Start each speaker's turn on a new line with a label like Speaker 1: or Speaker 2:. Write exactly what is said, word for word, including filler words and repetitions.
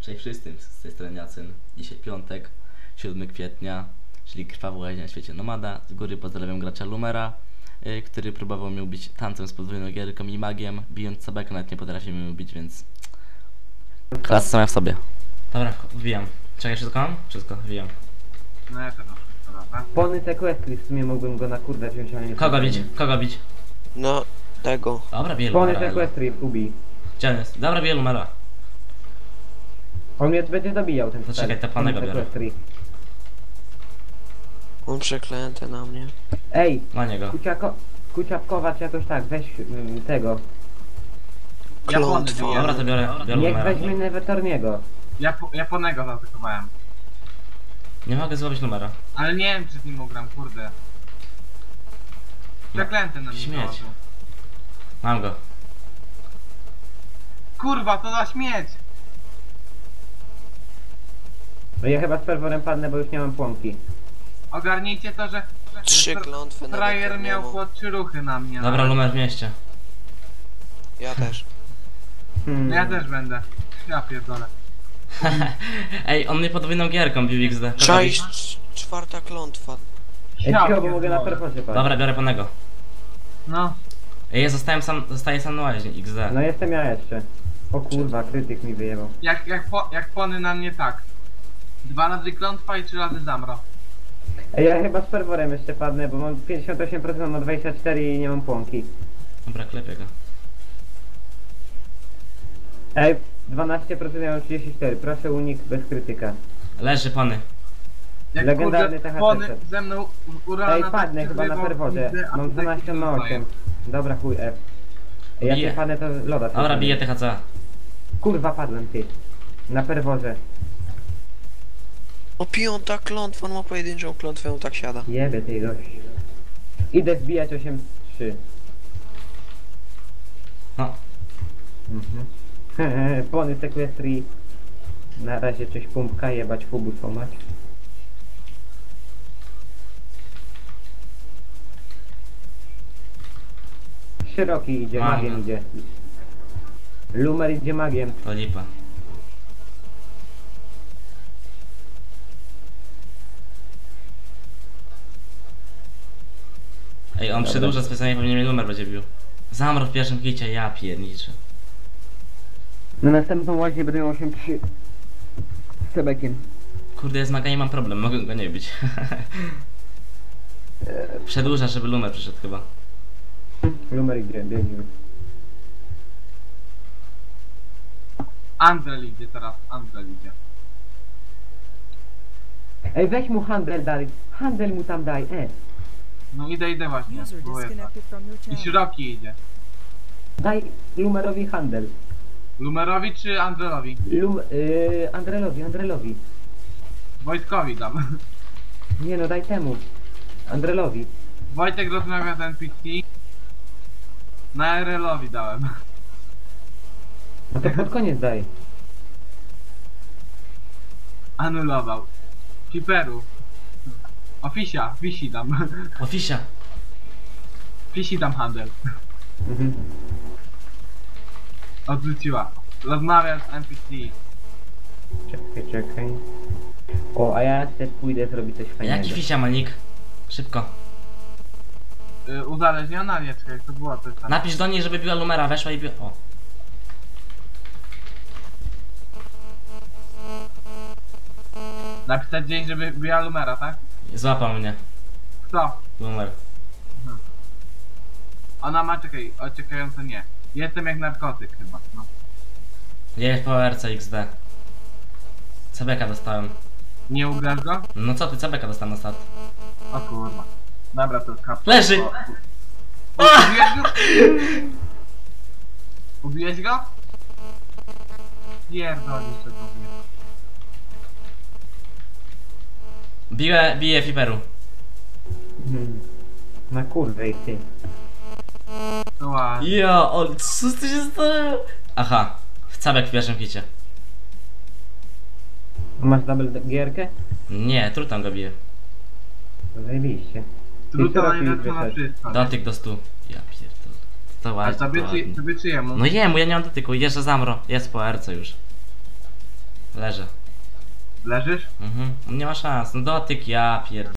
Speaker 1: Cześć wszystkim, z tej strony Jacyn. Dzisiaj piątek, siódmego kwietnia, czyli krwawa łaźnia na świecie nomada. Z góry pozdrawiam gracza Lumera, yy, który próbował mnie ubić tancem z podwójną gierką i magiem. Bijąc sabeka nawet nie potrafi mnie ubić, więc... klasa sama w sobie. Dobra, wbijam. Czekaj, wszystko mam? Wszystko, wbijam.
Speaker 2: No ja to mam, to dobra.
Speaker 3: Pony sequestry, w sumie mógłbym go na kurde wziąć, ale nie...
Speaker 1: Kogo bić? Kogo bić?
Speaker 4: No, tego.
Speaker 1: Dobra, bije
Speaker 3: Pony
Speaker 1: Lumera.
Speaker 3: sequestry, ubij.
Speaker 1: Gdzie on jest? Dobra, bije Lumera.
Speaker 3: On mnie będzie zabijał, ten
Speaker 1: To
Speaker 3: stary.
Speaker 1: czekaj, te panego
Speaker 3: Pony
Speaker 1: biorę.
Speaker 3: sequestry.
Speaker 4: On przeklęty na mnie.
Speaker 3: Ej,
Speaker 1: Na niego.
Speaker 3: kuciako... Kuciapkowacz jakoś tak, weź ym, tego.
Speaker 4: Klątwa.
Speaker 2: Japony
Speaker 1: Dobra, to biorę, biorę
Speaker 3: Niech
Speaker 1: Lumera.
Speaker 3: weźmie Nevetorniego.
Speaker 2: Japo Japonego zaatakowałem.
Speaker 1: Nie mogę złowić Lumera.
Speaker 2: Ale nie wiem czy z nim ugram, kurde. Przeklęty na mnie.
Speaker 1: Śmieć.
Speaker 2: założył.
Speaker 1: Mam go.
Speaker 2: Kurwa, to za śmieć!
Speaker 3: No ja chyba z ferworem padnę, bo już nie mam płomki.
Speaker 2: Ogarnijcie to, że...
Speaker 4: Trzy
Speaker 2: że
Speaker 4: klątwy na
Speaker 2: frajer miał
Speaker 4: Nevertorniemu.
Speaker 2: po trzy ruchy na mnie.
Speaker 1: Dobra,
Speaker 2: nawet.
Speaker 1: Lumer w mieście.
Speaker 4: Ja też.
Speaker 3: Hmm.
Speaker 2: No ja też będę. Ja pierdolę.
Speaker 1: Ej, on mnie podwójną gierką bił X D. Kogo bić?
Speaker 4: Cześć, czwarta klątwa.
Speaker 3: Ej,
Speaker 2: Ja
Speaker 3: cicho, bo mogę na
Speaker 2: pierdolę.
Speaker 3: ferworze paść.
Speaker 1: Dobra, biorę panego.
Speaker 2: No.
Speaker 1: Ej, ja zostałem sam, zostaję sam na łaźni, X D.
Speaker 3: No jestem ja jeszcze. O kurwa, krytyk mi wyjebał.
Speaker 2: Jak, jak, po, jak pony na mnie tak. Dwa razy klątwa i trzy razy zamro.
Speaker 3: Ej, ja chyba z ferworem jeszcze padnę, bo mam pięćdziesiąt osiem procent na dwadzieścia cztery i nie mam płomki.
Speaker 1: Dobra, klepię go.
Speaker 3: Ej, dwanaście procent ja mam trzydzieści cztery, proszę unik bez krytyka.
Speaker 1: Leży pony.
Speaker 2: Jak
Speaker 3: Legendarny
Speaker 2: kurde,
Speaker 3: T H C.
Speaker 2: pony ze mną urana
Speaker 3: Ej, padnę chyba na ferworze. Mam dwanaście na osiem. Dobra, chuj F. Ej, jak
Speaker 1: Bije.
Speaker 3: nie padnę to loda.
Speaker 1: Dobra,
Speaker 3: sobie.
Speaker 1: bije T H C.
Speaker 3: Kurwa, padłem ty. Na ferworze.
Speaker 4: O, piąta klątwa, on ma pojedynczą klątwę, on tak siada.
Speaker 3: Jebie tej gość. Idę zbijać osiem trzy.
Speaker 1: No.
Speaker 3: Mhm. Pony sequestry. Na razie coś pumpka, jebać fubu pomać. Szeroki idzie,
Speaker 1: Mam
Speaker 3: magiem
Speaker 1: go.
Speaker 3: idzie. Lumer idzie magiem.
Speaker 1: To lipa. Ej, on
Speaker 3: Dobra.
Speaker 1: przedłuża specjalnie, pewnie mnie numer będzie bił. Zamro w pierwszym kicie, ja pierniczę.
Speaker 3: Na następną łaźnię będę miał osiem trzy. Z Sebekiem.
Speaker 1: Kurde, ja z magami mam problem, mogę go nie bić. Przedłuża, żeby numer przyszedł chyba.
Speaker 3: Lumer idzie, biegnie.
Speaker 2: Andrel idzie teraz, Andrel idzie.
Speaker 3: Ej, weź mu handel daj. Handel mu tam daj, e.
Speaker 2: No idę, idę właśnie.
Speaker 5: User
Speaker 2: Próbuję.
Speaker 5: disconnected from your
Speaker 2: I
Speaker 5: channel.
Speaker 2: szeroki idzie.
Speaker 3: Daj Lumerowi handel.
Speaker 2: Lumerowi czy Andrelowi?
Speaker 3: Lum... Yy, Andrelowi, Andrelowi.
Speaker 2: Wojtkowi dam.
Speaker 3: Nie no, daj temu. Andrelowi.
Speaker 2: Wojtek rozmawia z N P C. Na R L-owi dałem.
Speaker 3: No to pod koniec daj.
Speaker 2: Anulował. Hiperu. O Fisia, Fisi dam.
Speaker 1: Ofisia.
Speaker 2: Fisi dam handel.
Speaker 3: Mhm.
Speaker 2: Odrzuciła. Rozmawiam z N P C.
Speaker 3: Czekaj, czekaj. O, a ja też pójdę zrobić coś fajnego.
Speaker 1: Jaki fisia ma nick? Szybko.
Speaker 2: Y, uzależniona? Nie, czekaj, to było to tak.
Speaker 1: Napisz do niej, żeby biła numera, weszła i biła... O.
Speaker 2: Napisać gdzieś, żeby była Lumera, tak?
Speaker 1: Złapał mnie.
Speaker 2: Kto?
Speaker 1: Numer.
Speaker 2: Ona ma, czekaj, oczekające nie. Jestem jak narkotyk chyba, no.
Speaker 1: Jest po R C X D. C B K dostałem.
Speaker 2: Nie ugrasz go?
Speaker 1: No co ty, C B K dostałem na start.
Speaker 2: O kurwa. Dobra, to kap.
Speaker 1: Leży!
Speaker 2: O, o, ubiłeś go? Ubiłeś go? Pierdolisz tego mnie.
Speaker 1: Biję, biję Fiperu.
Speaker 3: Mhm. Na kurwę i ty.
Speaker 2: To ładnie.
Speaker 1: Ja, o, co tu się stało? Aha, w cabek w pierwszym kicie.
Speaker 3: Masz double gierkę?
Speaker 1: Nie, trutam go bije.
Speaker 3: To zajebiście.
Speaker 2: Trudno
Speaker 3: I co
Speaker 2: najlepsze na
Speaker 3: robisz,
Speaker 2: wszystko. nie?
Speaker 1: Dotyk do stu. Ja pierdolę. To
Speaker 2: A
Speaker 1: ładnie,
Speaker 2: tobie
Speaker 1: to
Speaker 2: czy,
Speaker 1: ładnie.
Speaker 2: tobie czy jemu?
Speaker 1: No jemu, ja nie mam dotyku, jeszcze zamro. Jest po R C już. Leżę.
Speaker 2: Leżysz?
Speaker 1: Mhm. Nie ma szans. No dotyk, ja pierd...